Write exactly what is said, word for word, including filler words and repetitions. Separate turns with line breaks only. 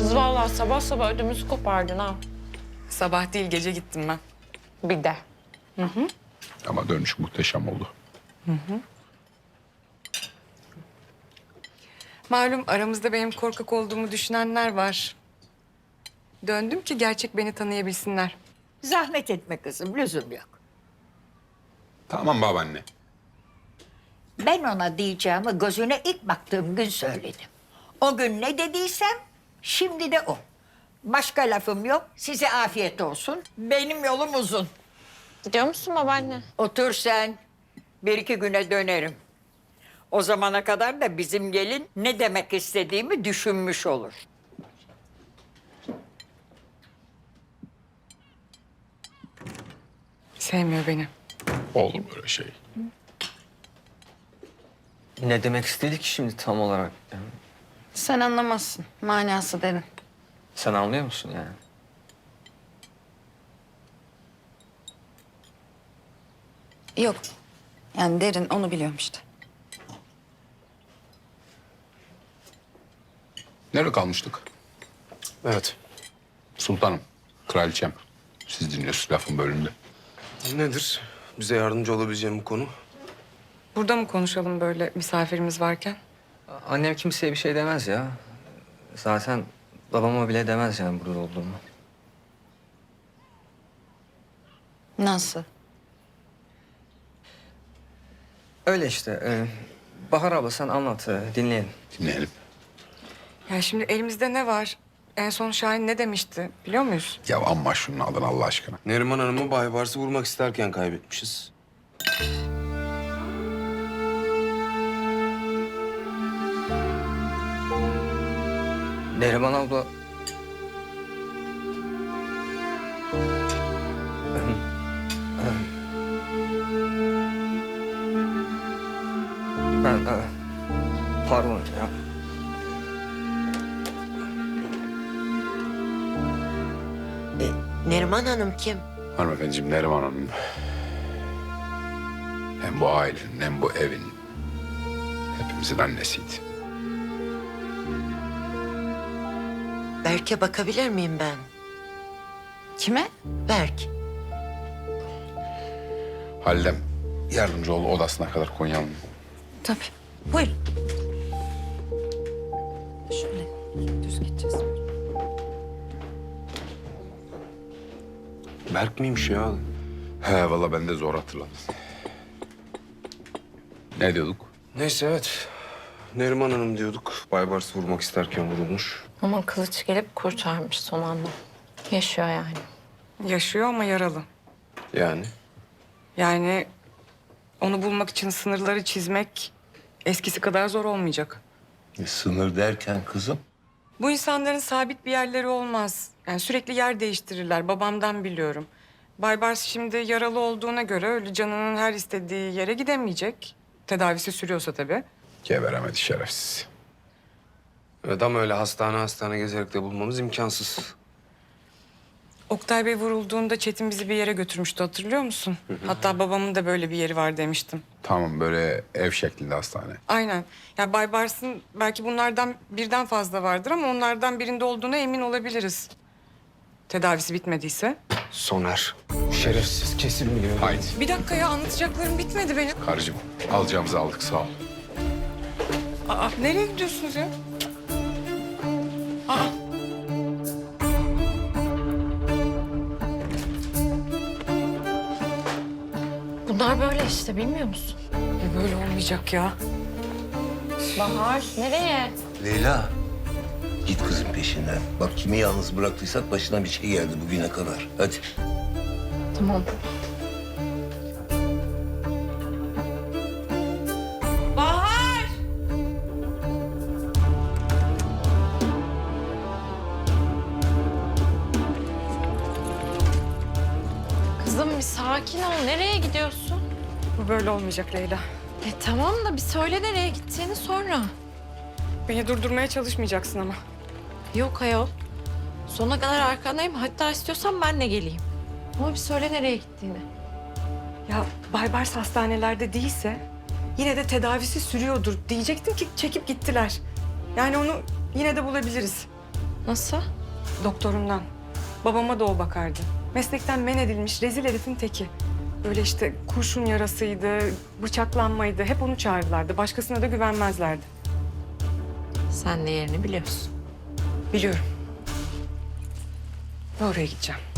Kız vallahi sabah sabah ödümüzü kopardın ha.
Sabah değil gece gittim ben.
Bir de.
Ama dönüş muhteşem oldu.
Malum aramızda benim korkak olduğumu düşünenler var. Döndüm ki gerçek beni tanıyabilsinler.
Zahmet etme kızım, lüzum yok.
Tamam babaanne.
Ben ona diyeceğimi gözüne ilk baktığım gün söyledim. O gün ne dediysem şimdi de o. Başka lafım yok. Size afiyet olsun. Benim yolum uzun.
Gidiyor musun babaanne?
Otur sen. Bir iki güne dönerim. O zamana kadar da bizim gelin ne demek istediğimi düşünmüş olur.
Sevmiyor beni.
Olur böyle şey.
Ne demek istedik ki şimdi tam olarak? Yani
Sen anlamazsın. Manası derin.
sen anlıyor musun yani?
Yok. Yani derin onu biliyorum işte.
Nerede kalmıştık?
Evet.
Sultanım, kraliçem. Siz dinliyorsunuz lafın bölümünde.
Nedir? Bize yardımcı olabileceğim bu konu?
Burada mı konuşalım böyle misafirimiz varken?
Annem kimseye bir şey demez ya. Zaten babama bile demez yani burada olduğumu.
Nasıl?
Öyle işte. e, Bahar abla sen anlat, e, dinleyelim.
Dinleyelim.
Ya şimdi elimizde ne var? En son Şahin ne demişti biliyor muyuz?
Ya amma şunun adını Allah aşkına.
Neriman Hanım'ı Bay Bars'ı vurmak isterken kaybetmişiz.
Neriman abla... Ben... e, Pardon ya.
Neriman Hanım kim?
Hanımefendiciğim Neriman Hanım. Hem bu ailenin hem bu evin hepimizin annesiydi.
Berk'e bakabilir miyim ben?
Kime?
Berk.
Halidem yardımcı ol odasına kadar Konya'nın.
Tabii. Buyurun. Şöyle düz gideceğiz.
Berk miymiş ya?
He valla ben de zor hatırladım. Ne diyorduk?
Neyse evet. Neriman Hanım diyorduk. Bay Bars'ı vurmak isterken vurulmuş.
Ama kılıç gelip kurtarmış son anda. Yaşıyor yani.
Yaşıyor ama yaralı.
Yani?
Yani onu bulmak için sınırları çizmek eskisi kadar zor olmayacak.
E, sınır derken kızım?
Bu insanların sabit bir yerleri olmaz. Yani sürekli yer değiştirirler. Babamdan biliyorum. Baybars şimdi yaralı olduğuna göre öyle canının her istediği yere gidemeyecek. Tedavisi sürüyorsa tabii.
Geberemedi şerefsiz.
Evet ama öyle hastane hastane gezerek de bulmamız imkansız.
Oktay Bey vurulduğunda Çetin bizi bir yere götürmüştü hatırlıyor musun? Hatta babamın da böyle bir yeri var demiştim.
Tamam böyle ev şeklinde hastane.
Aynen. Ya Baybars'ın belki bunlardan birden fazla vardır ama onlardan birinde olduğuna emin olabiliriz. Tedavisi bitmediyse.
Soner. Şerefsiz kesin biliyor.
Haydi
Bir dakika ya anlatacaklarım bitmedi benim.
karıcığım alacağımızı aldık sağ ol.
Aa, nereye gidiyorsunuz ya? Aa.
Bunlar böyle işte bilmiyor musun?
E böyle olmayacak ya.
Bahar nereye?
Leyla. Git kızın peşinden. Bak kimi yalnız bıraktıysak başına bir şey geldi bugüne kadar. Hadi.
Tamam. Bahar! Kızım bir sakin ol. Nereye gidiyorsun?
Bu böyle olmayacak Leyla.
E tamam da bir söyle nereye gittiğini sonra.
Beni durdurmaya çalışmayacaksın ama.
Yok ayol. Sonuna kadar arkandayım. Hatta istiyorsan ben de geleyim. Ama bir söyle nereye gittiğini.
Ya Baybars hastanelerde değilse yine de tedavisi sürüyordur diyecektim ki çekip gittiler. Yani onu yine de bulabiliriz.
Nasıl?
Doktorundan. Babama da o bakardı. Meslekten men edilmiş rezil herifin teki. Böyle işte kurşun yarasıydı, bıçaklanmaydı. Hep onu çağırırlardı. Başkasına da güvenmezlerdi.
Sen de yerini biliyorsun.
Biliyorum. Ve oraya gideceğim.